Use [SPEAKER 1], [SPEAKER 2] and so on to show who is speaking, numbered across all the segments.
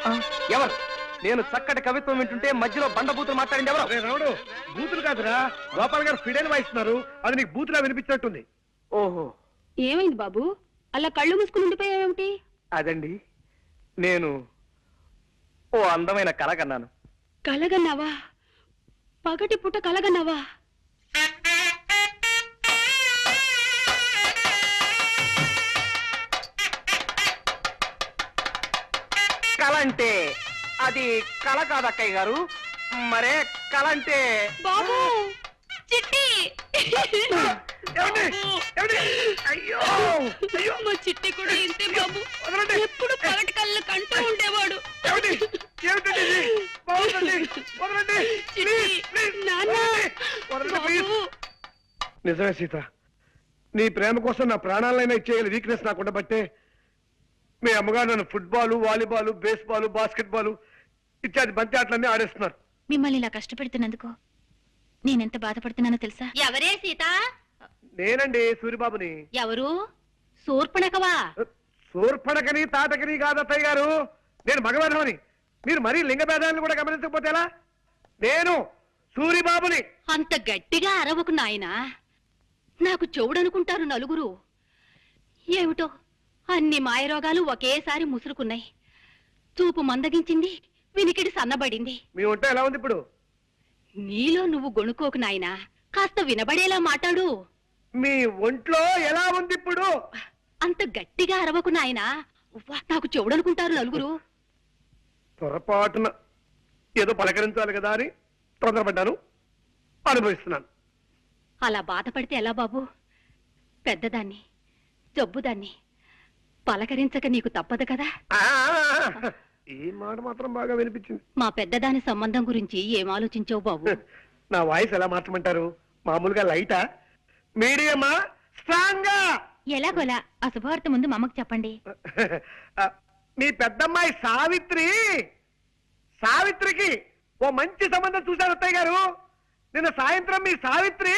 [SPEAKER 1] ఎవరు? నేను చక్కటి కవిత్వం వింటుంటే మధ్యలో బండబూతులు మాట్లాడింది ఎవరు?
[SPEAKER 2] రావుడు, బూతులు కాదురా, గోపాల్ గారు ఫిడైన్ వాయిస్తున్నారు. అది నీకు బూతులా వినిపించినట్టుంది.
[SPEAKER 1] ఓహో,
[SPEAKER 3] ఏమైంది బాబు, అలా కళ్ళు మూసుకుని ఉండిపోయావేమిటి?
[SPEAKER 1] అదండి, నేను ఓ అందమైన కల కన్నాను.
[SPEAKER 3] కలగన్నావా? పగటి పుట్ట కలగన్నావా?
[SPEAKER 1] కల అంటే అది కళ కాదు అక్కయ్య గారు. మరే కళ అంటే
[SPEAKER 3] బాబు, చిట్టి!
[SPEAKER 2] అయ్యో
[SPEAKER 3] మా చిట్టి కూడా ఇంతే బాబు, ఎప్పుడు పగటి కళ్ళు కంటూ ఉండేవాడు.
[SPEAKER 2] నిజమే సీత, నీ ప్రేమ కోసం నా ప్రాణాలైనా ఇచ్చేయాలి వీక్నెస్ నాకు ఉండబట్టే మీ అమ్మగారు నన్ను ఫుట్బాల్, వాలీబాల్, బేస్బాల్, బాస్కెట్బాల్ ఇత్యాది బంతి ఆటలన్నీ ఆడేస్తున్నారు.
[SPEAKER 4] మిమ్మల్ని ఇలా కష్టపెడుతున్నందుకు నేనెంత బాధపడుతున్నానో తెలుసా?
[SPEAKER 3] ఎవరే సీత?
[SPEAKER 2] నేనండి, సూరిబాబుని.
[SPEAKER 3] ఎవరు? శూర్పణఖవా?
[SPEAKER 2] శూర్పణఖని తాటకని కాదు అత్తయ్య గారు, నేను మగవాధవని. మీరు మరీ లింగ భేదాలను కూడా గమనించకపోతే ఎలా? నేను సూరిబాబుని.
[SPEAKER 3] అంత గట్టిగా అరవకు నాయనా, నాకు చెవుడనుకుంటారు నలుగురు. ఏమిటో అన్ని మాయరోగాలు ఒకేసారి ముసురుకున్నాయి. చూపు మందగించింది, వినికిడి సన్నబడింది.
[SPEAKER 2] మీ ఒంట ఎలా ఉంది ఇప్పుడు?
[SPEAKER 3] నీలో నువ్వు గొణుకోకు నాయనా, కాస్త వినబడేలా మాట్లాడు.
[SPEAKER 2] మీ ఒంట్లో ఎలా ఉంది ఇప్పుడు?
[SPEAKER 3] అంత గట్టిగా అరవకు నాయనా, నాకు చెవుడనుకుంటారు నలుగురు.
[SPEAKER 2] పొరపాటున ఏదో పలకరించాలి కదా అని తొందరపడ్డాను, అనుభవిస్తున్నాను.
[SPEAKER 3] అలా బాధపడితే ఎలా బాబు? పెద్దదాన్ని, జబ్బుదాన్ని పలకరించక నీకు తప్పదు కదా.
[SPEAKER 2] ఈ మాట మాత్రం బాగా వినిపించింది.
[SPEAKER 3] మా పెద్దదాని సంబంధం గురించి ఏం ఆలోచించావు బాబు?
[SPEAKER 2] నా వాయిస్ ఎలా మార్చమంటారు? మామూలుగా లైటా, మీడియమా, స్ట్రాంగా?
[SPEAKER 4] ఎలాగోలా ఆ శుభవార్త ముందు మా అమ్మకు చెప్పండి.
[SPEAKER 2] మీ పెద్దమ్మాయి సావిత్రికి ఓ మంచి సంబంధం చూశారు అత్తయ్య గారు. నిన్న సాయంత్రం మీ సావిత్రి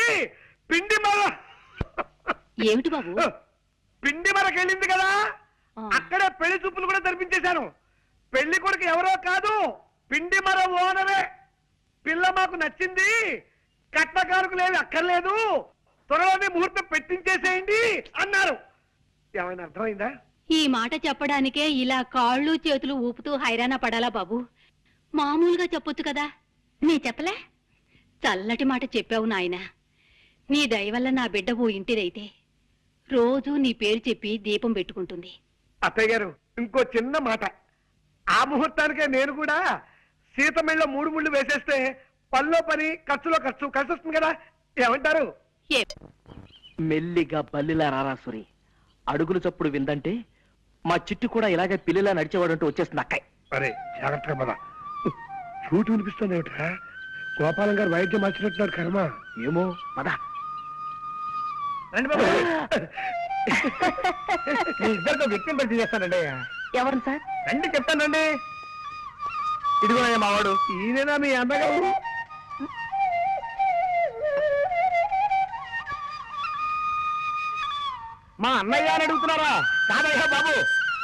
[SPEAKER 3] ఏమిటి బాబు?
[SPEAKER 2] పిండి మరకెళ్ళింది కదా, అక్కడే పెళ్లి చూపులు కూడా జరిపించేశాను. పెళ్లి కొడుకు ఎవరో కాదు, పిండి మర ఓనరే. పిల్ల మాకు నచ్చింది, కట్నకారుకు లేదు అక్కర్లేదు, త్వరలోనే ముహూర్తం పెట్టించేసేయండి అన్నారు. ఏమైనా అర్థమైందా?
[SPEAKER 3] ఈ మాట చెప్పడానికే ఇలా కాళ్ళు చేతులు ఊపుతూ హైరాణ పడాలా బాబు? మామూలుగా చెప్పొచ్చు కదా.
[SPEAKER 4] నీ చెప్పలే?
[SPEAKER 3] చల్లటి మాట చెప్పావు నాయనా. నీ దయ వల్ల నా బిడ్డ ఓ ఇంటిదైతే రోజూ నీ పేరు చెప్పి దీపం పెట్టుకుంటుంది.
[SPEAKER 2] అత్తయ్య గారు, ఇంకో చిన్న మాట. ఆ ముహూర్తానికే నేను కూడా సీతమిళ్ళ 3 ముళ్ళు వేసేస్తే పనిలో పని, ఖర్చులో ఖర్చు కలిసి వస్తుంది కదా. ఏమంటారు?
[SPEAKER 1] మెల్లిగా బల్లిలా రారాసురి, అడుగులు చప్పుడు విందంటే మా చిట్టు కూడా ఇలాగే పిల్లిలా నడిచేవాడంటూ వచ్చేస్తుంది అక్కయ్.
[SPEAKER 2] అరే జాగ్రత్తగా పద. చూటు వినిపిస్తుంది ఏమిట్రా? గోపాలం గారు వైద్యం మార్చినట్టున్నారు. కర్మ
[SPEAKER 1] ఏమో పద.
[SPEAKER 2] రండి బాబు. మీ ఇద్దరితో వ్యక్తిని పరిచయం చేస్తానండి.
[SPEAKER 1] ఎవరు సార్?
[SPEAKER 2] రండి చెప్తానండి.
[SPEAKER 1] ఇదిగో మావాడు.
[SPEAKER 2] ఈయనేనా మీ అన్నగారు?
[SPEAKER 1] మా అన్నయ్య అని అడుగుతున్నారా? కాదయ్యా బాబు,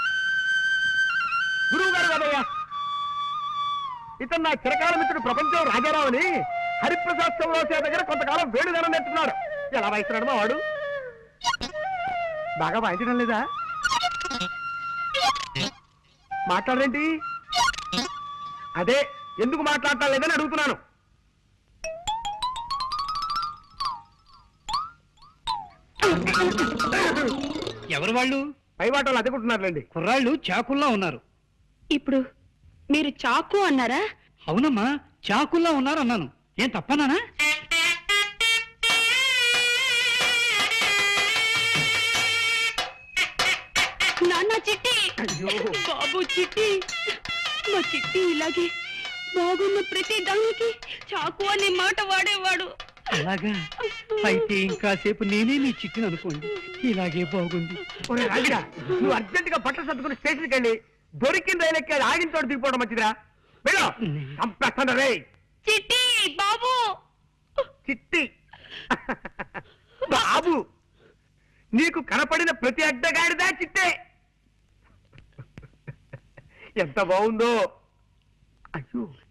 [SPEAKER 1] గురువు గారు కాదయ్యా. ఇతను నా చిరకాల మిత్రుడు ప్రపంచం రాజారావు అని హరిప్రసాద్ చౌరాసియా దగ్గర కొంతకాలం వేడుదనం నేర్చుకున్నాడు. ఎలా వాయిస్తున్నాడు మా వాడు? బాగా వాయించడం లేదా? మాట్లాడరేంటి? అదే ఎందుకు మాట్లాడటం లేదని అడుగుతున్నాను.
[SPEAKER 5] ఎవరు వాళ్ళు?
[SPEAKER 2] పై వాటలు అదుకుంటున్నారులేండి.
[SPEAKER 5] కుర్రాళ్ళు చాకుల్లా ఉన్నారు.
[SPEAKER 3] ఇప్పుడు మీరు చాకు అన్నారా?
[SPEAKER 5] అవునమ్మా, చాకుల్లా ఉన్నారు అన్నాను. ఏం తప్పనానా?
[SPEAKER 3] నాన్న చిట్టి, బాబు చిట్టి, మా చిట్టి ఇలాగే బాగున్న ప్రతి దానికి చాకు అనే మాట వాడేవాడు.
[SPEAKER 5] అలాగా? అయితే ఇంకాసేపు నేనే నీ చిట్టిని అనుకోండి. ఇలాగే బాగుంది.
[SPEAKER 2] నువ్వు అర్జెంట్ గా బట్టలు సర్దుకుని స్టేషన్కి వెళ్ళి దొరికిన రైలు ఎక్కి ఆగిన చోట దిగిపోవడం మంచిదిరా. వెళ్ళు, చంపేస్తాను రే.
[SPEAKER 3] చిట్టి బాబు,
[SPEAKER 2] చిట్టి బాబు, నీకు కనపడిన ప్రతి అడ్డగాడిదా చిట్టే.
[SPEAKER 1] ఎంత బాగుందో. అయ్యో